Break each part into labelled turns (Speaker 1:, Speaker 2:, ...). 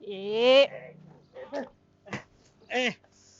Speaker 1: ए
Speaker 2: ए,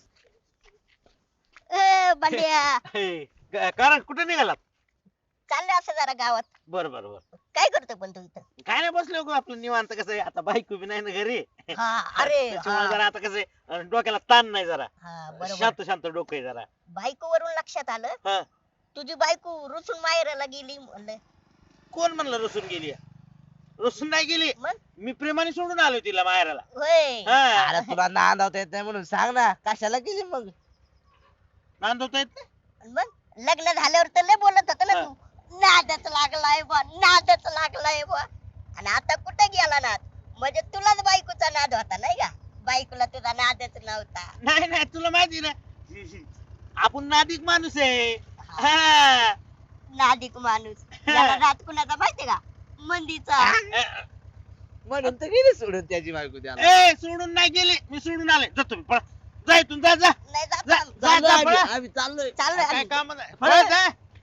Speaker 3: बंड्या
Speaker 2: कारण कुठे निघालात?
Speaker 3: चाललंय असं जरा गावात.
Speaker 2: बर बर बर.
Speaker 3: काय करतोय पण तू इथं?
Speaker 2: काय नाही बसलो गो आपलं निवांत. कसं आहे आता बायको बी नाही ना घरी.
Speaker 3: हा अरे
Speaker 2: त्याच्यामुळे
Speaker 3: हा,
Speaker 2: जरा आता कसं आहे, डोक्याला ताण नाही जरा.
Speaker 3: हा, बरोबर.
Speaker 2: शांत शांत डोकं आहे जरा.
Speaker 3: बायको वरून लक्षात आलं
Speaker 2: हा.
Speaker 3: तुझी बायको रुसून माहेराला गेली म्हणलं.
Speaker 2: कोण म्हणलं रुसून गेली? रुसून नाही गेली.
Speaker 3: मग
Speaker 2: मी प्रेमाने सोडून आलो तिला माहेराला.
Speaker 3: होय.
Speaker 2: हा.
Speaker 4: अरे तुला नांदवता येत नाही म्हणून सांग ना, कशाला गेली मग?
Speaker 2: नांदवता येत नाही?
Speaker 3: मग लग्न झाल्यावर तर लय बोलत होता ना
Speaker 2: हा.
Speaker 3: तू, नादच लागलाय बा, नादच लागलाय बा. आणि आता कुठे गेला नाद? म्हणजे तुलाच बायकोचा नाद होता नाही का? बायकोला तुझा नादच नव्हता.
Speaker 2: नाही नाही तुला माहिती ना आपण नादिक माणूस आहे. हा.
Speaker 3: नादिक माणूस. याला नाद कुणाचा माहितीये का? मंदीचा.
Speaker 4: म्हणून तर गेली सोडून त्याची बायको त्याला.
Speaker 2: ए सोडून नाही गेली, मी सोडून आले. जा तुम्ही पळा. जा इथून जा जा.
Speaker 3: नाही
Speaker 2: जा,
Speaker 3: जात
Speaker 2: जा,
Speaker 4: चाललोय
Speaker 2: जा, पळा.
Speaker 4: आम्ही चाललोय.
Speaker 3: चाललोय
Speaker 2: काय
Speaker 3: आम्ही.
Speaker 2: काम नाही. पळा, जा.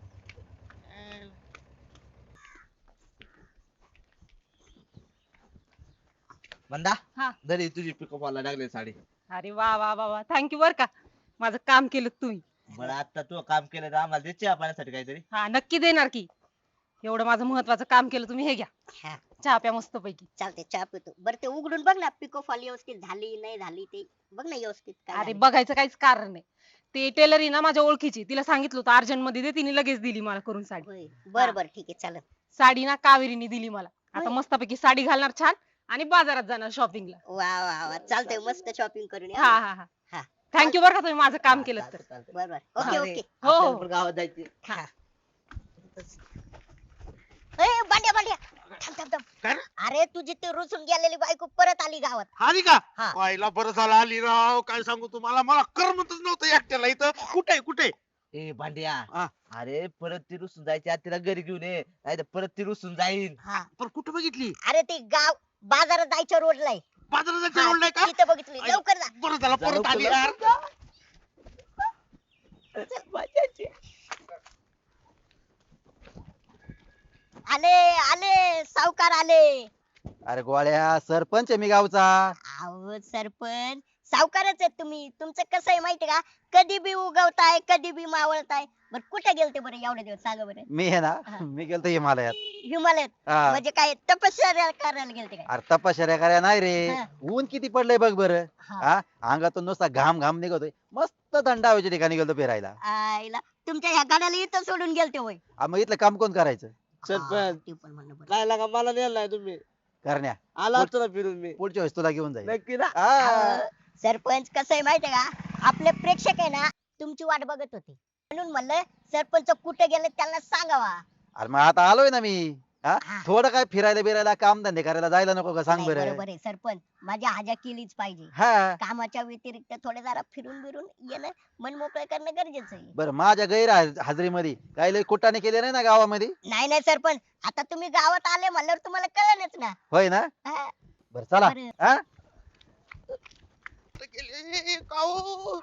Speaker 4: म्हणता
Speaker 1: हा.
Speaker 4: जरी तुझी पिकअपला लागली साडी.
Speaker 1: अरे वा वा वा वा थँक्यू बर का. माझं काम केलं तुम्ही.
Speaker 4: बरं आता तू काम केलं तर आम्हाला दे चहा पाण्यासाठी काहीतरी.
Speaker 1: हा नक्की देणार की. एवढं माझं महत्वाचं काम केलं तुम्ही, हे घ्या
Speaker 3: हा,
Speaker 1: चहा प्या मस्त पैकी.
Speaker 3: चालते चहा पितो. बरं ते उघडून बघ ना, पिको फॉल व्यवस्थित झाली नाही झाली ते बघ ना व्यवस्थित काय
Speaker 1: अरे
Speaker 3: झालंय.
Speaker 1: बघायचं काहीच कारण नाही. ते टेलर आहे ना माझ्या ओळखीची, तिला सांगितलं होतं अर्जंट मध्ये दे, तिने लगेच दिली मला करून साडी.
Speaker 3: होय. बर बर ठीक आहे चालेल.
Speaker 1: साडी ना कावेरीने दिली मला. आता
Speaker 3: होय.
Speaker 1: मस्तपैकी साडी घालणार छान आणि बाजारात जाणार शॉपिंगला.
Speaker 3: वा वा वा चालतंय मस्त शॉपिंग करून या.
Speaker 1: हा हा हा
Speaker 3: हा.
Speaker 1: थँक्यू बर का तुम्ही माझं काम केलं तर.
Speaker 4: चालतंय, चालतंय.
Speaker 3: बर बर ओके
Speaker 4: अरे,
Speaker 3: ओके.
Speaker 1: हो, हो.
Speaker 4: आपल्याला पण गावात जायचे.
Speaker 1: हा.
Speaker 3: ए बांड्या बांड्या थांब थांब थांब.
Speaker 2: काय रे?
Speaker 3: अरे तुझी ती रुसून गेलेली बायको परत आली गावात.
Speaker 2: आली का?
Speaker 3: हा.
Speaker 2: पाहिला बरं झालं आली राव. काय सांगू तुम्हाला, मला करमतच नव्हतं एकट्याला इथं. कुठे कुठे?
Speaker 4: ए भांड्या,
Speaker 2: हा.
Speaker 4: अरे परत ती रुसून जायची आज तिला घरी घेऊन ये, नाही तर परत ती रुसून जाईल.
Speaker 3: हा
Speaker 2: पण कुठे बघितली?
Speaker 3: अरे ती गाव बाजारात जायच्या रोडला आहे.
Speaker 2: बाजारात
Speaker 3: हा,
Speaker 2: ओळलाय का?
Speaker 3: तिथं बघितली. लवकर जा.
Speaker 2: बरं झालं परत
Speaker 4: लवकर
Speaker 2: आली
Speaker 4: जा.
Speaker 2: यार.
Speaker 3: आले आले सावकार आले.
Speaker 5: अरे गोळ्या सरपंच आहे मी गावचा.
Speaker 3: अहो सरपंच सावकारच आहेत तुम्ही. तुमचं कसं आहे माहिती का, कधी बी उगवताय कधी बी मावळताय. बर कुठे गेलते बरं एवढे दिवस सांगा बरं?
Speaker 5: मी आहे
Speaker 3: हा.
Speaker 5: ना, मी गेलतो हिमालयात.
Speaker 3: हिमालयात
Speaker 5: हा.
Speaker 3: म्हणजे काय तपश्चर्या करायला गेलते काय?
Speaker 5: अरे तपश्चर्या करायला नाही रे,
Speaker 3: हा.
Speaker 5: ऊन किती पडलंय बघ बरं.
Speaker 3: हा.
Speaker 5: हा अंगातून नुसता घाम घाम निघतोय. मस्त थंड हवेच्या ठिकाणी गेलतो फिरायला.
Speaker 3: आईला तुमच्या ह्या गाड्याला इथं सोडून गेलते होय?
Speaker 5: मग इथलं काम कोण करायचं?
Speaker 3: हा,
Speaker 4: सरपंच
Speaker 3: ते पण म्हणणं बरं.
Speaker 4: काय लागा मला नेलं नाही तुम्ही.
Speaker 5: करण्या
Speaker 4: आला असतो ना फिरून मी.
Speaker 5: पुढच्या वेळेस तुला घेऊन जाईल.
Speaker 4: नक्की ना.
Speaker 5: हा.
Speaker 3: अहो, सरपंच कसं आहे माहितीये का, आपले प्रेक्षक आहे ना तुमची वाट बघत होते, म्हणून म्हणलं सरपंच कुठे गेले त्यांना सांगावा.
Speaker 5: अरे मग आता आलोय ना मी. हा
Speaker 3: हा.
Speaker 5: थोडं काय फिरायला बिरायला काम धंदे करायला जायला नको का सांग
Speaker 3: नाही,
Speaker 5: बरं.
Speaker 3: बरोबर आहे सरपंच, माझी हाजा केलीच पाहिजे.
Speaker 5: हा
Speaker 3: कामाच्या व्यतिरिक्त थोडे जरा फिरून बिरून येणं, मन मोकळं करणं गरजेचं आहे.
Speaker 5: बरं माझ्या गैर हाजरीमध्ये काही लय कुटाने केले नाही ना गावामध्ये.
Speaker 3: नाही नाही सरपंच, आता तुम्ही गावात आले म्हणल्यावर तुम्हाला कळलंच ना.
Speaker 5: होय ना.
Speaker 3: हा,
Speaker 5: बरं चला.
Speaker 3: बरं.
Speaker 5: हा
Speaker 2: गेले काऊ.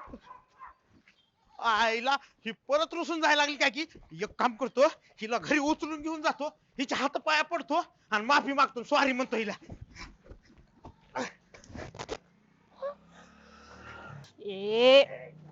Speaker 2: आईला ही परत रुसून जायला लागली काय की. एक काम करतो, हिला घरी उचलून घेऊन जातो, हिच्या हात पाया पडतो आणि माफी मागतो, सॉरी म्हणतो हिला.
Speaker 1: ए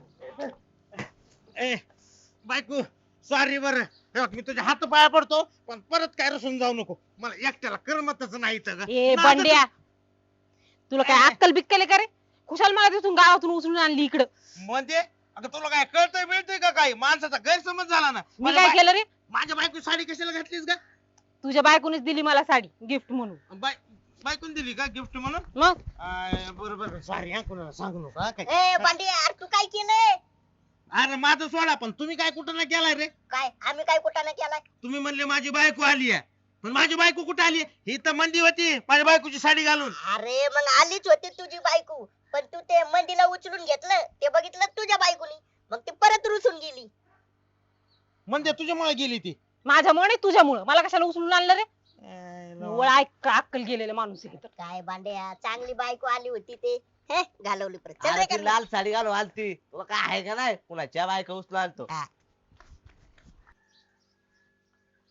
Speaker 2: ए बायको सॉरी बरं. हे बघ, मी तुझ्या हात पाया पडतो, पण परत काय रुसून जाऊ नको. मला एकट्याला करमतच नाही इथं ग.
Speaker 1: ए
Speaker 2: माझं
Speaker 1: बंड्या, तुला काय
Speaker 2: काय?
Speaker 1: अक्कल बिक्कल आहे का रे? खुशाल मला तिथून गावातून उचलून आणली इकडं.
Speaker 2: म्हणजे अगं तुला काय कळतंय मिळतंय का काही? माणसाचा गैरसमज झाला ना.
Speaker 1: मी काय केलं रे?
Speaker 2: माझ्या बायको साडी कशाला घातलीस का?
Speaker 1: तुझ्या बायकोनेच दिली मला साडी गिफ्ट म्हणून.
Speaker 2: बायकोन दिली का गिफ्ट म्हणून?
Speaker 1: मग
Speaker 2: बरोबर सॉरी हा, कोणाला सांगू नका काय.
Speaker 3: ए पांडे यार तू काय केलंय?
Speaker 2: अरे माझं सोडा, पण तुम्ही काय कुठं ना केलाय रे?
Speaker 3: काय आम्ही काय कुठं केलाय?
Speaker 2: तुम्ही म्हणले माझी बायको आली आहे, पण माझी बायको कुठे आली? ही तर मंदी होती माझ्या बायकोची साडी घालून.
Speaker 3: अरे मग आलीच होती तुझी बायको, पण तू ते मंदीला उचलून घेतलं, ते बघितलं तुझ्या बायकोनी, मग ती परत रुसून गेली.
Speaker 2: म्हणजे तुझ्यामुळे गेली ती.
Speaker 1: माझ्यामुळे तुझ्यामुळं मला कशाला उचलून आणलं रे? निव्वळ अक्कल गेलेला माणूस आहे तर.
Speaker 3: काय बांड्या, चांगली बायको आली होती ते हे घालवली परत. चल
Speaker 4: अरे
Speaker 3: रे
Speaker 4: ती
Speaker 3: घरी.
Speaker 4: लाल साडी घालून आलती, तुला काय आहे का नाही? कुणाच्या बायका उचलून आणतो.
Speaker 3: हा.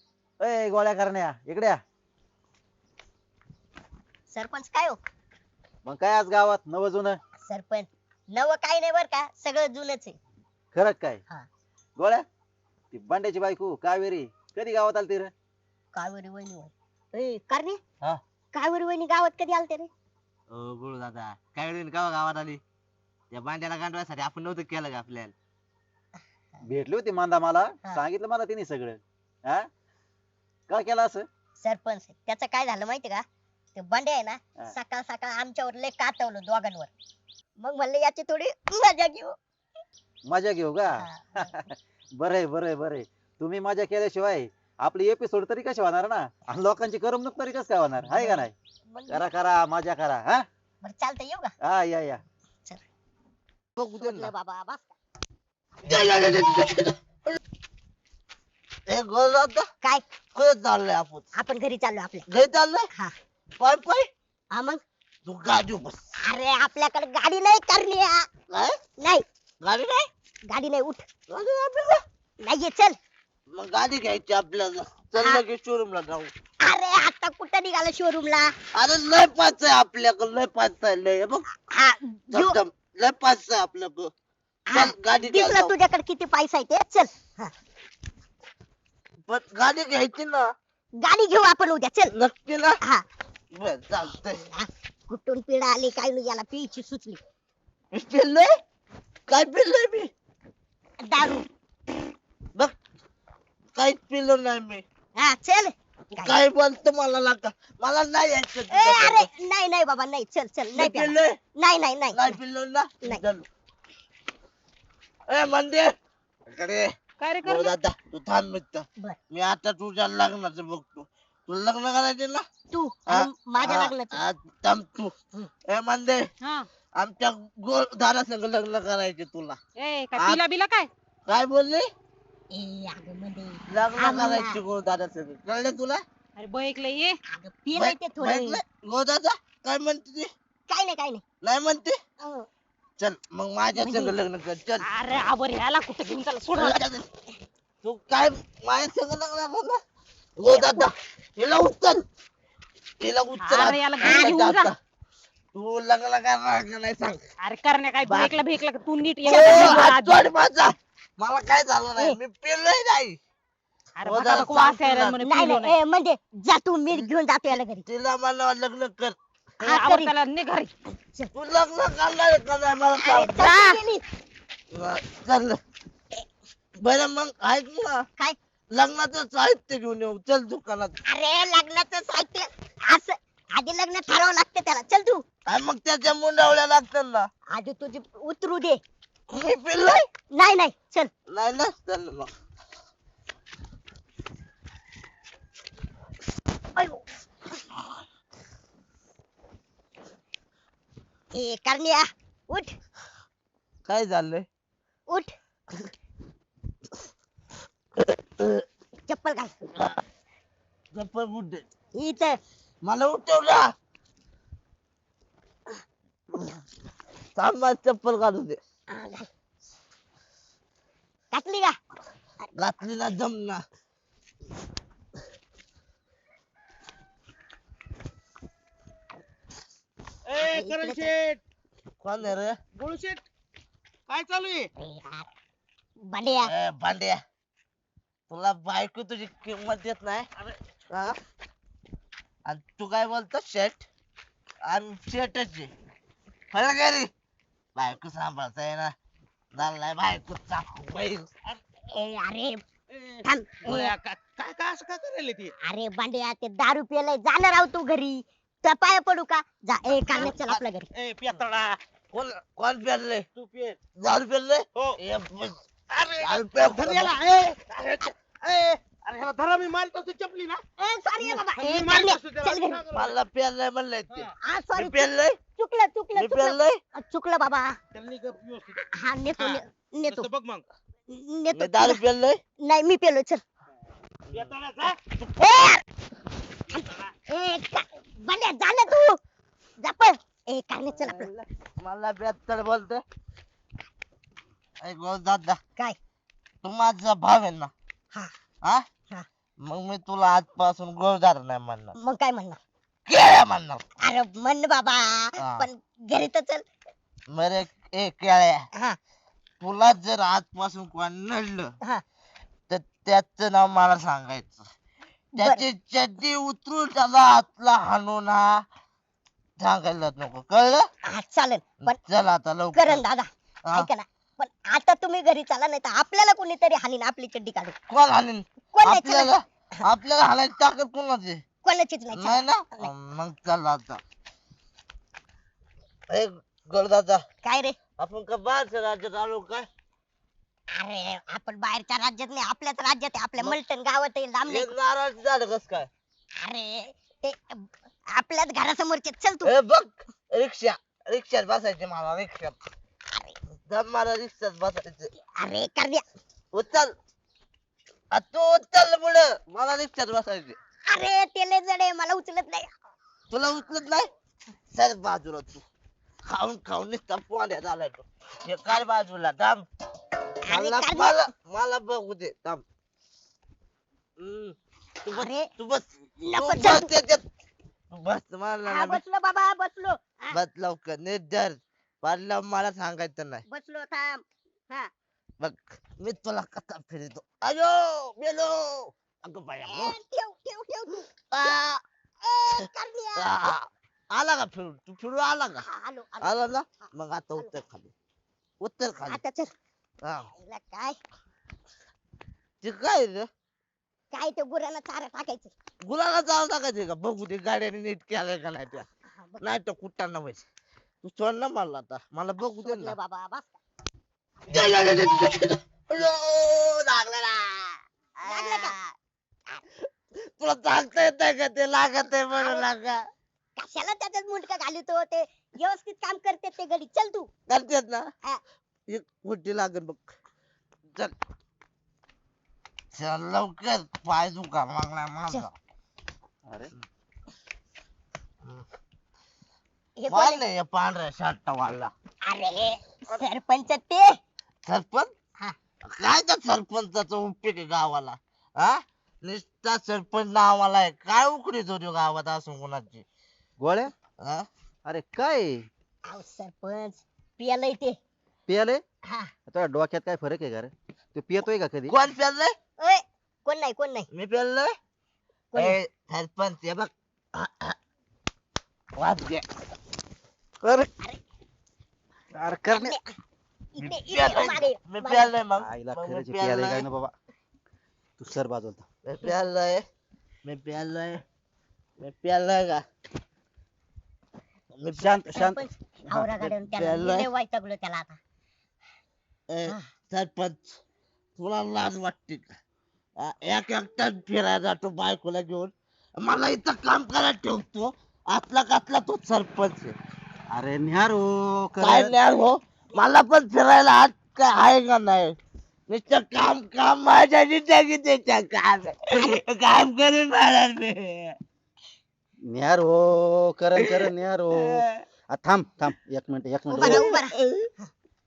Speaker 5: ए गोळ्या करण्या इकडे या.
Speaker 3: सरपंच काय हो?
Speaker 5: मग काय आज गावात नवं जुनं
Speaker 3: सरपंच नवं काही नाही बर का, सगळं जुनच आहे.
Speaker 5: खरं काय
Speaker 3: हा.
Speaker 5: गोळ्या ती बांड्याची बायको कावेरी कधी गावात आलती रे
Speaker 3: कावेरी वहिनी होय करणे
Speaker 4: हा.
Speaker 3: कावेरी वहिनी गावात कधी आलते रे?
Speaker 4: ओ गुरु दादा काय वेळ गावा गावात आली त्या बांड्याला गांडवासाठी आपण नव्हतं केलं का आपल्याला.
Speaker 5: भेटली होती मांदा मला
Speaker 3: हा.
Speaker 5: सांगितलं मला तिने सगळं हा का केलं असं
Speaker 3: सरपंच त्याचं काय झालं माहिती का, ते बंडे आहे ना
Speaker 5: हा.
Speaker 3: सकाळ सकाळ आमच्यावर लय कातवलं दोघांवर. मग म्हणलं याची थोडी मजा घेऊ.
Speaker 5: मजा घेऊ का
Speaker 3: हा.
Speaker 5: बरंय बरंय बरंय तुम्ही मजा केल्याशिवाय आपली एपिसोड तरी कशी होणार ना आणि लोकांची करमणूक तरी कसं काय होणार आहे का नाही
Speaker 3: मग
Speaker 5: करा करा मजा करा हा
Speaker 3: बरं चालतं येऊ का?
Speaker 5: हा या
Speaker 4: बघू दे
Speaker 3: सोडलं
Speaker 4: ना.
Speaker 3: बाबा बस.
Speaker 4: ए गुरु दादा
Speaker 3: काय
Speaker 4: कुठे चाललोय आपण
Speaker 3: आपण घरी चाललो आपल्या.
Speaker 4: घरी चाललोय
Speaker 3: हा
Speaker 4: पाय पाय
Speaker 3: हा मग
Speaker 4: तू गाडी बस.
Speaker 3: अरे आपल्याकडे गाडी नाही करणे
Speaker 4: काय
Speaker 3: नाही
Speaker 4: गाडी नाही
Speaker 3: गाडी नाही उठ
Speaker 4: गाडी नाही आपल्याला?
Speaker 3: नाहीये चल.
Speaker 4: मग गाडी घ्यायची आपल्याला चल
Speaker 3: हा.
Speaker 4: लगेच शोरूमला जाऊ.
Speaker 3: अरे आता कुठं निघाला शोरूमला?
Speaker 4: अरे लय पाच आहे आपल्याकडं लय पाच आहे लय बघ
Speaker 3: हा घेऊ.
Speaker 4: धम धम. लय पाच आहे आपल्याकडं
Speaker 3: हा,
Speaker 4: चल गाडी घ्यायला
Speaker 3: दिसलं
Speaker 4: जाऊ.
Speaker 3: तुझ्याकडे किती पैसा आहे ते चल. हा,
Speaker 4: पण गाडी घ्यायची ना
Speaker 3: गाडी घेऊ आपण उद्या चल.
Speaker 4: नक्की ना
Speaker 3: हा
Speaker 4: बर चालतंय.
Speaker 3: हा, कुठून पिढा आली काय नाही याला पियची सुचली.
Speaker 4: मी पिल्लोय काय पिल्लोय मी
Speaker 3: दारू.
Speaker 4: बघ काहीच पिल्लो नाही मी
Speaker 3: हा चल. काय?
Speaker 4: काय बोलतो मला लागा मला नाही यायचं
Speaker 3: ए,
Speaker 4: तुझ्याकडं.
Speaker 3: अरे नाही नाही बाबा नाही चल चल
Speaker 4: मी
Speaker 3: नाही प्याला.
Speaker 4: पिल्लोय
Speaker 3: नाही नाही नाही
Speaker 4: नाही पिल्लो ना
Speaker 3: नाही.
Speaker 4: चल. ए मंदिर इकडे
Speaker 1: काय रे
Speaker 4: हो
Speaker 1: करणे
Speaker 4: दादा तू थांब मित्र
Speaker 3: बर.
Speaker 4: मी आता तुझ्या लग्नाचं बघतो तुला लग्न करायचे ना
Speaker 3: तू
Speaker 4: हा,
Speaker 3: आणि माझ्या
Speaker 4: हा,
Speaker 3: लग्नाचं.
Speaker 4: हा, थांब तू
Speaker 3: हं.
Speaker 4: ए मंदिर
Speaker 1: हा
Speaker 4: आमच्या गोळधारा संग लग्न करायचे तुला
Speaker 1: ए काय
Speaker 4: आ-
Speaker 1: पिला बिला काय
Speaker 4: काय बोलले
Speaker 3: ए अगं मध्ये
Speaker 4: लग्न
Speaker 3: आम्हाला-
Speaker 4: करायचे गोळधारा संग कळलं तुला
Speaker 1: अरे बैकलं ये
Speaker 3: अगं पिलंय ते थोडं.
Speaker 4: गोळदादा काय म्हणते ती
Speaker 3: काय नाही काय नाही.
Speaker 4: नाही म्हणते
Speaker 3: अं,
Speaker 4: चल मग माझ्या संग लग्न कर चल
Speaker 1: अरे आबर ह्याला कुठं घेऊन चला सोड मला.
Speaker 4: तू काय माझ्या संग लग्न करणार गोळदादा हिला उचल हिला उचल
Speaker 1: अरे याला घरी घेऊन जा.
Speaker 4: आता. तू लग्न करणार का नाही सांग
Speaker 1: अरे करण्या काय
Speaker 4: बा-
Speaker 1: भेकला भेकला का तू नीट
Speaker 4: ओ,
Speaker 1: ये
Speaker 4: हात सोड माझा मला काय झालं नाही मी पिलोय नाही
Speaker 1: अरे
Speaker 4: हो
Speaker 1: बघा
Speaker 4: जरा
Speaker 1: बघ वास
Speaker 4: सांग
Speaker 1: यायला
Speaker 4: तुला.
Speaker 1: म्हणे
Speaker 3: नाही
Speaker 1: पिलो
Speaker 3: नाही ए, म्हणजे जा तू मी घेऊन जातो याला घरी.
Speaker 4: तिला मला लग्न कर
Speaker 1: नाही आवर त्याला ने घरी
Speaker 4: तू लग्न करणार का नाही मला
Speaker 3: अरे,
Speaker 4: सांग
Speaker 3: तशी गेली.
Speaker 4: चल बरं मग ऐक ना
Speaker 3: काय
Speaker 4: लग्नाचं साहित्य घेऊन येऊ चल दुकानात
Speaker 3: अरे लग्नाचं साहित्य असं आधी लग्न ठरवावं लागतं त्याला. चल तू
Speaker 4: आणि मग त्याच्या मुंडावळ्या लागतात ना
Speaker 3: आधी तुझी उतरू दे.
Speaker 4: मी पिल्लोय
Speaker 3: नाही नाही चल.
Speaker 4: नाही ना चल मग
Speaker 3: अयो. ए करण्या उठ
Speaker 4: काय झालंय
Speaker 3: उठ चप्पल घाल
Speaker 4: चप्पल कुठे
Speaker 3: इथं.
Speaker 4: मला उठवला थांबा चप्पल काढू दे
Speaker 3: हा, घाल. घातली का?
Speaker 4: घातली ना जमना
Speaker 2: ए करण शेठ
Speaker 4: कोण आहे रे
Speaker 2: गोळू शेठ काय चालू आहे
Speaker 3: ए यार, बंड्या
Speaker 4: ए भांड्या तुला बायको तुझी किंमत देत नाही हा? आणि तू काय बोलतो शेट आम्ही शेटच आहे खरं काय रे बायको सांभाळता आहे ना झालाय बायको चाकू बैल
Speaker 3: ए अरे
Speaker 2: ए,
Speaker 3: थांब.
Speaker 2: गोळ्या, काय काय असं काय करायला ती
Speaker 3: अरे बंड्या ते दारू प्यायलाय जाणार आहो तू घरी तर पाया पडू का? जा ए काढण्यात चल आपल्या घरी.
Speaker 2: ए पियातळा
Speaker 4: कोण कोण पेरले
Speaker 2: तू पिय
Speaker 4: दारू पेरले
Speaker 2: हो
Speaker 4: ए, बस.
Speaker 2: अरे
Speaker 4: दारू पे-
Speaker 2: धर याला, ए, अरे अरे ह्याला धरा मी मारतो तू चपली ना
Speaker 3: ए सॉरी बाबा
Speaker 2: मी
Speaker 3: ए
Speaker 2: मारतो
Speaker 3: काढण्या
Speaker 2: तू त्याला.
Speaker 3: चल घरी.
Speaker 4: मला पेरलंय म्हणलंय ते
Speaker 3: हा
Speaker 4: मी
Speaker 3: सॉरी
Speaker 4: पेरलंय
Speaker 3: चुकलं चुकलं
Speaker 4: मी
Speaker 3: चुकलं
Speaker 4: पेरलंय
Speaker 3: चुकलं बाबा.
Speaker 2: त्याला नाही गप व्यवस्थित
Speaker 3: हा नेतो
Speaker 2: हा.
Speaker 3: नेतो
Speaker 2: तसं बघ मग
Speaker 3: नेतो
Speaker 4: मी दारू पेरलंय
Speaker 3: नाही मी पेलो चल.
Speaker 2: पियातळा जा.
Speaker 3: ए यार! ए बंड्या जा ना तू जा पण. ए काढण्यात चल आपलं.
Speaker 4: मला बेहत्तर बोलते दादा
Speaker 3: काय
Speaker 4: तू माझा भाव आहे ना
Speaker 3: हा
Speaker 4: हा
Speaker 3: हा.
Speaker 4: मग मी तुला आजपासून गोळदार नाही म्हणणार
Speaker 3: मग काय म्हणणार?
Speaker 4: केळ्या म्हणणार.
Speaker 3: अरे म्हण बाबा
Speaker 4: हा.
Speaker 3: पण घरी तर चल.
Speaker 4: बरे ए केळ्या,
Speaker 3: हा
Speaker 4: तुला जर आजपासून कोण नडलं
Speaker 3: हा
Speaker 4: तर त्याचं नाव मला सांगायचं. त्याची चड्डी उतरून त्याला हातला हाणून हा सांगायला नको, कळलं?
Speaker 3: हा चालेल पण
Speaker 4: चल आता लवकर.
Speaker 3: करण दादा
Speaker 4: हा.
Speaker 3: ऐका ना पण आता तुम्ही घरी चला नाही तर आपल्याला कोणीतरी हानीन आपली चड्डी काढून.
Speaker 4: कोण हाणीन?
Speaker 3: कोण नाही चला.
Speaker 4: आपल्याला आपल्याला हाणायची ताकद कोणाची?
Speaker 3: कोणाचीच नाही
Speaker 4: नाही
Speaker 3: चला.
Speaker 4: ना, मग चल आता. ए गडदादा,
Speaker 3: काय रे
Speaker 4: आपण का बाहेरच्या राज्यात आलो काय?
Speaker 3: अरे आपण बाहेरच्या राज्यात नाही आपल्याच राज्यात आहे आपल्या
Speaker 4: मग-
Speaker 3: मलटण गावात आहे लांब नाही.
Speaker 4: एक नाराज झालं कस काय?
Speaker 3: अरे ते आपल्याच घरासमोरचे चल तू.
Speaker 4: ए बघ, रिक्षा रिक्षात बसायचे मला, रिक्षात दम मला रिक्षात बसायचे.
Speaker 3: अरे करण्या
Speaker 4: उचल तू उचल पुढं, मला रिक्षात बसायचे.
Speaker 3: अरे ते लय जड आहे मला उचलत नाही.
Speaker 4: तुला उचलत नाही? सर बाजूला तू, खाऊन खाऊन नुसता पोंड्या झालाय तू. हे काय बाजूला थांब, मला
Speaker 3: करण्या.
Speaker 4: मला मला बघू दे थांब. तू बस,
Speaker 3: अरे,
Speaker 4: तू बस,
Speaker 3: नको
Speaker 4: तू
Speaker 3: चल
Speaker 4: बस
Speaker 3: तू.
Speaker 4: त्याच्यात. बस मला
Speaker 3: हा,
Speaker 4: नाही.
Speaker 3: बसलो बाबा बसलो. हा,
Speaker 4: बस लवकर, नीट धर. पाडलं मला सांगायचं नाही.
Speaker 3: बसलो थांब. हा
Speaker 4: बघ मी तुला कसा फिरतो. अयो मेलो. अगं बाया
Speaker 3: ए, ठेव ठेव ठेव तू.
Speaker 4: आ,
Speaker 3: ए, करण्या.
Speaker 4: आ. आला का फिरून? तू फिरून आला का?
Speaker 3: हा, आलो आलो.
Speaker 4: आला ना, मग आता उत्तर खाली, उत्तर खाली.
Speaker 3: आता चल.
Speaker 4: हा.
Speaker 3: हिला काय
Speaker 4: ते काय रे,
Speaker 3: काय ते गुरांना चारा टाकायचं.
Speaker 4: गुलाला जाऊ टाकायचे का? बघू ते गाड्याने नीट केलंय का नाही त्या.
Speaker 3: हा, बघ,
Speaker 4: नाही तर कुठं व्हायचं. तू सोड ना मला आता, मला बघू दे ना.
Speaker 3: सोडलं बाबा बस.
Speaker 4: अयो, लागलं ना.
Speaker 3: लागलं का?
Speaker 4: तुला सांगता येत का ते लागत आहे म्हणून लागा?
Speaker 3: कशाला त्याच्यात मुंडका घालतो ते व्यवस्थित काम करते ते घडी. चल तू.
Speaker 4: करतेत ना,
Speaker 3: हा.
Speaker 4: एक मोठी लागेल बघ. चल चल लवकर, पाय दुखा लागलाय माझा.
Speaker 5: अरे
Speaker 3: हे कोण
Speaker 4: मला
Speaker 3: आहे?
Speaker 4: नाही पांढऱ्या शर्ट वाला
Speaker 3: अरे सरपंच ते.
Speaker 4: सरपंच.
Speaker 3: हा.
Speaker 4: काय त्या सरपंचाचा उपयोग आहे गावाला? हा, नुसता सरपंच नावाला आहे. काय उकडीत होती गावात असून कोणाची?
Speaker 5: गोळ्या,
Speaker 4: हा?
Speaker 5: अरे काय
Speaker 3: अहो सरपंच पियालंय ते.
Speaker 5: पियाले?
Speaker 3: हा
Speaker 5: तुझ्या डोक्यात काय फरक आहे का रे? तू पियतोय का कधी?
Speaker 4: कोण प्यालय?
Speaker 3: ओय कोण नाही कोण नाही
Speaker 4: मी प्यालय.
Speaker 3: कोण नाही.
Speaker 4: सरपंच हे बघ, वाद घे. अरे
Speaker 5: अरे करणे
Speaker 3: इकडे
Speaker 4: मी
Speaker 3: इकडे मागे,
Speaker 4: प्यालय, मी
Speaker 3: मागे.
Speaker 4: प्यालय मग.
Speaker 5: आईला
Speaker 4: मग मी
Speaker 5: खरंच पियाले काय
Speaker 4: प्यालय.
Speaker 5: ना बाबा. तू सर बाजूला.
Speaker 4: मी प्यालय, मी प्यालय, मी प्यालय का? मी
Speaker 5: शांत शांत.
Speaker 3: सरपंच आवरा गाड्यावर त्याला
Speaker 4: प्यायलंय.
Speaker 3: लय वैतागलो त्याला आता.
Speaker 4: ए,
Speaker 3: हा.
Speaker 4: सरपंच तुला लाज वाटते का? एक एकटाच फिरायला जातो बायकोला घेऊन, मला इथं काम करायला ठेवतो. आतला कातला तो सरपंच आहे.
Speaker 5: अरे निहार हो
Speaker 4: काय
Speaker 5: कर.
Speaker 4: नाही हो, मला पण फिरायला हात काय आहे का नाही? नुसतं काम काम माझ्या जिंदगी त्याच्या काम काम करून मला मी.
Speaker 5: निहार हो करण करण निहार हो. थांब थांब एक मिनिट एक
Speaker 3: उभा राहा
Speaker 5: मिनिट.
Speaker 3: उभा राहा.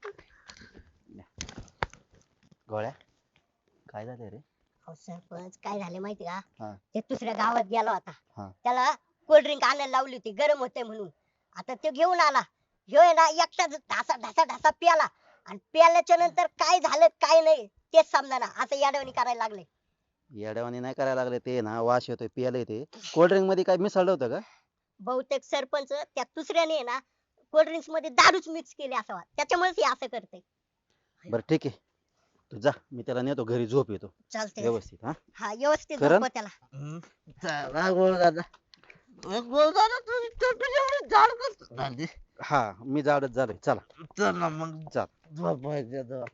Speaker 5: गोळ्या काय झालं रे?
Speaker 3: अहो सरपंच काय झाले माहिती का
Speaker 5: हा.
Speaker 3: ते दुसऱ्या गावात गेला
Speaker 5: हा.
Speaker 3: होता त्याला कोल्ड ड्रिंक आणायला लावली होती गरम होते म्हणून. आता तो घेऊन आला ह्यो आहे ना एकटाच ढासा ढासा ढासा प्याला आणि प्याल्याच्या नंतर काय झालं काय नाही तेच समजाना असं याडवणी करायला लागले.
Speaker 5: येड्यावानी नाही करायला लागले ते ना, वास येतोय पियाले ते. कोल्ड्रिंक मध्ये काय मिसळलं होतं का?
Speaker 3: बहुतेक सरपंच त्या दुसऱ्याने आहे ना कोल्ड ड्रिंक्स मध्ये दारूच मिक्स केली असं त्याच्यामुळेच हे असं करते.
Speaker 5: बरं ठीक आहे, तू जा, मी त्याला नेतो घरी, झोप येतो
Speaker 3: चालते
Speaker 5: व्यवस्थित. हा
Speaker 3: हा व्यवस्थित
Speaker 5: करण?
Speaker 3: झोपव त्याला.
Speaker 4: चला गोळदादा, गोळदादा तुझी तब्येत एवढी जाड कसं झाली?
Speaker 5: हा मी जाडच झालोय, चला
Speaker 4: चल ना मग
Speaker 5: चल.
Speaker 4: झोपायचं आता.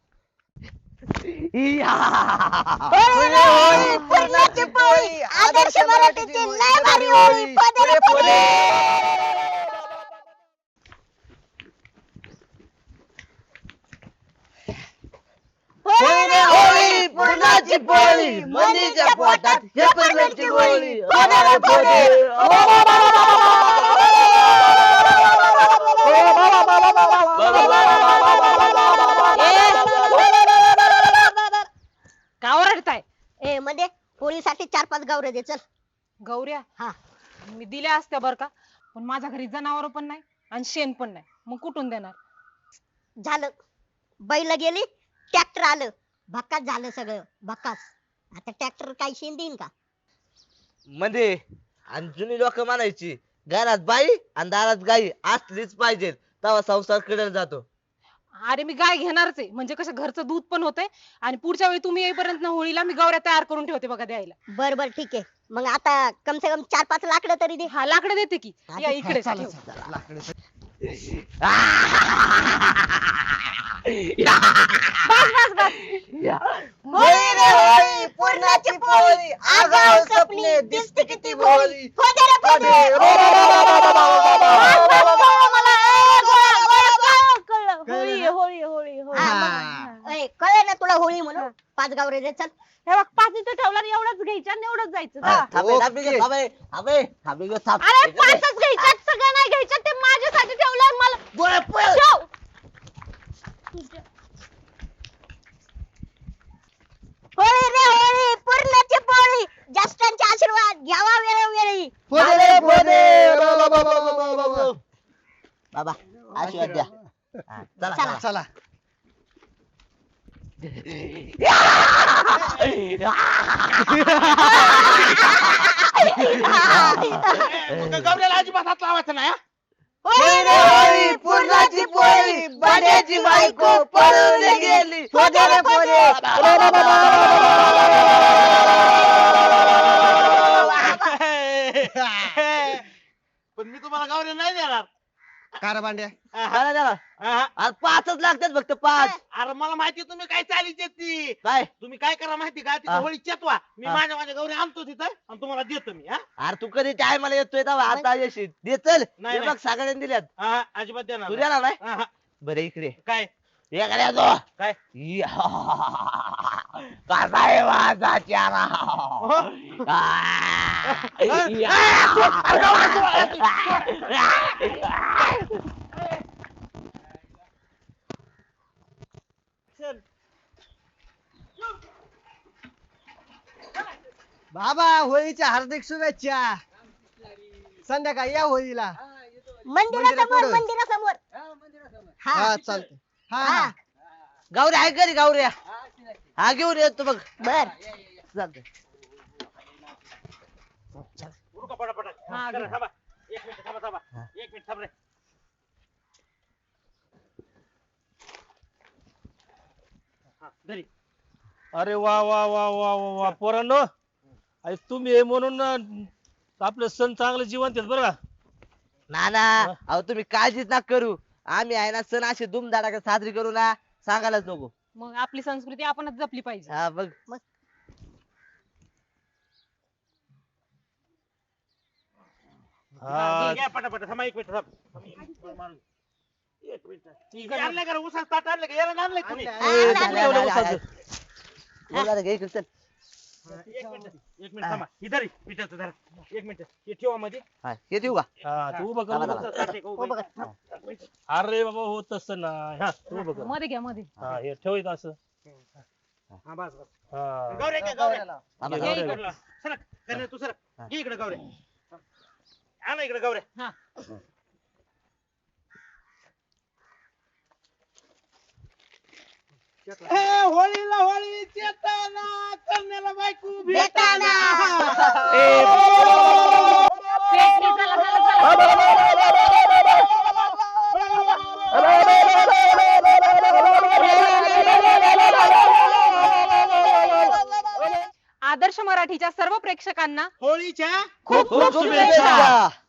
Speaker 3: होळी, पुरणाची पोळी, आदर्श मराठीची लय भारी होळी, पदरे पदरे.
Speaker 4: होळी रे होळी, पुरणाची पोळी, मनीच्या पोटात हेपरमेंटची गोळी. पदरे पदरे.
Speaker 1: का ओरडताय?
Speaker 3: ए मध्ये होळीसाठी 4-5 गावरे दे चल.
Speaker 1: गौऱ्या
Speaker 3: हा
Speaker 1: मी दिल्या असत्या बर का, पण माझ्या घरी जनावर पण नाही आणि शेण पण नाही, मग कुठून देणार?
Speaker 3: झालं, बैल गेली, ट्रॅक्टर आलं, भकास झालं सगळं भकास. आता ट्रॅक्टर काय शेण देईन का?
Speaker 4: म्हणजे आणि जुनी लोक म्हणायची घरात बाई आणि दारात गाई असलीच पाहिजे, तेव्हा संसार कडे जातो.
Speaker 1: अरे मी गाय घेणारच आहे, म्हणजे कसं घरचं दूध पण होतंय आणि पुढच्या वेळी तुम्ही येईपर्यंत ना होळीला मी गौऱ्या तयार करून ठेवते बघा द्यायला.
Speaker 3: बर बर ठीक आहे, मग आता कम से कम 4-5 लाकडं तरी दे.
Speaker 1: हा लाकडं देते की,
Speaker 3: हा,
Speaker 1: या
Speaker 3: दे.
Speaker 1: इकडे
Speaker 2: चला,
Speaker 1: ठेव.
Speaker 2: चला, लाकडं.
Speaker 4: होळी रे होळी, पुरणाची पोळी, आगाऊ स्वप्ने दिसते किती भोळी.
Speaker 3: खोदे रे खोदे.
Speaker 1: होळी आहे, होळी आहे, होळी आहे, होळी
Speaker 3: हा,
Speaker 1: आहे.
Speaker 3: मग, ए, कळलं ना तुला होळी म्हणून? 5 गावरे दे चल.
Speaker 1: हे बघ 5 इथं ठेवला आणि एवढंच घ्यायचं आणि एवढंच जायचं जा.
Speaker 4: थांबे
Speaker 1: अरे 5च घ्यायच्यात, सगळं नाही घ्यायचं, ते माझ्यासाठी ठेवलंय मला ठेव.
Speaker 3: होळी रे होळी, पुरणाची पोळी, ज्येष्ठांचे आशीर्वाद घ्यावा वेळोवेळी.
Speaker 4: बाबा आशीर्वाद द्या. हा, चला
Speaker 3: चला.
Speaker 4: चला.
Speaker 2: चला. गौऱ्याला अजिबात हात लावायचा नाही हा?
Speaker 4: होळी रे होळी, पुरणाची पोळी, बाड्याची बायको पळून गेली.
Speaker 3: खोदे रे खोदे.
Speaker 2: पण मी तुम्हाला गौऱ्या नाही देणार.
Speaker 5: कार भांड्या
Speaker 4: चला, चला.
Speaker 2: हा.
Speaker 4: आज 5च लागतात फक्त 5.
Speaker 2: अरे मला माहिती तुम्ही काय चालीची ती.
Speaker 4: काय
Speaker 2: तुम्ही काय करा माहिती का तिथे
Speaker 4: हा.
Speaker 2: होळी चेतवा, मी
Speaker 4: हा.
Speaker 2: माझ्या गौरी आणतो तिथं आणि तुम्हाला देतो मी. हा
Speaker 4: अरे तू कधी टायमाला येतोय तेव्हा आता येशील. दे चल.
Speaker 2: नाही,
Speaker 4: हे
Speaker 2: नाही.
Speaker 4: बघ सगळ्यांनी दिल्यात.
Speaker 2: हा, अजिबात देणार
Speaker 4: तू
Speaker 2: नाही.
Speaker 4: देणार नाही.
Speaker 2: हा, हा.
Speaker 4: बरं इकडे
Speaker 2: काय
Speaker 4: हे करा तो.
Speaker 2: काय
Speaker 4: कसा आहे माझा चेहरा?
Speaker 6: बाबा होळीच्या हार्दिक शुभेच्छा. संध्याकाळी या होळीला.
Speaker 3: मंदिरासमोर
Speaker 6: पुढं.
Speaker 3: मंदिरासमोर.
Speaker 6: हा
Speaker 3: हा
Speaker 6: चालतंय. हा
Speaker 3: हा.
Speaker 6: हा.
Speaker 4: गावऱ्या आहे घरी गावऱ्या. हा घेऊन येतो बघ.
Speaker 3: बर.
Speaker 4: चालतंय.
Speaker 2: उरका पटापट.
Speaker 1: हा,
Speaker 2: जरा
Speaker 1: घे.
Speaker 2: थांबा. 1 मिनिट थांबा थांबा.
Speaker 4: हा.
Speaker 2: 1 मिनिट थांब रे. हा, घरी.
Speaker 7: अरे वा वा वा वा वा वा पोरांनो, अरे तुम्ही हे म्हणून आपलं सण चांगलं जिवंत आहेत बरं का.
Speaker 4: ना ना अहो तुम्ही काळजीच ना करू. आम्ही आहे ना सण असे धुमधडाक्यात साजरी करू ना, सांगायलाच नको.
Speaker 1: मग आपली संस्कृती आपणच जपली पाहिजे.
Speaker 4: हा बघ.
Speaker 7: हा
Speaker 2: घ्या पटापट. थांबा 1 मिनिट थांब. मारून. 1 मिनिट. आणलं का रे? उसाचं ताट आणलं का? याला आणलंय कोणी?
Speaker 4: ए, झालं, झालं, झालं. बोला रे, घे इकडे चल.
Speaker 2: 1 मिनिट थांबा. इधर पिठाचं धरा. 1 मिनिट. हे ठेवा मध्ये.
Speaker 4: हा, हे देऊ का?
Speaker 7: हा तू उभं कर
Speaker 4: थांबा,
Speaker 7: उभं
Speaker 4: थांबा.
Speaker 7: कर.
Speaker 2: ताट आहे का उभं?
Speaker 3: बघ.
Speaker 2: एक मिनिट.
Speaker 7: अरे बाबा हो तसं नाही. हा तू उभं कर.
Speaker 1: मध्ये घ्या मध्ये.
Speaker 7: हा हे ठेवायचं असं.
Speaker 2: हा, बस बस.
Speaker 7: हा
Speaker 2: गौऱ्या घ्या, गौऱ्या.
Speaker 4: थांबा,
Speaker 1: घे
Speaker 4: थांबा.
Speaker 1: इकडे.
Speaker 2: इकडला. सरक. कन्या तू सरक.
Speaker 4: हा.
Speaker 2: घे इकडे गौऱ्या. आणा इकडे गौऱ्या.
Speaker 1: हा.
Speaker 2: होळीला होळी चेताना कन्याला बायको
Speaker 3: भेटाना.
Speaker 1: पेटली, चला, चला, चला. आदर्श मराठीच्या सर्व प्रेक्षकांना
Speaker 2: होळीच्या
Speaker 4: खूप खूप शुभेच्छा.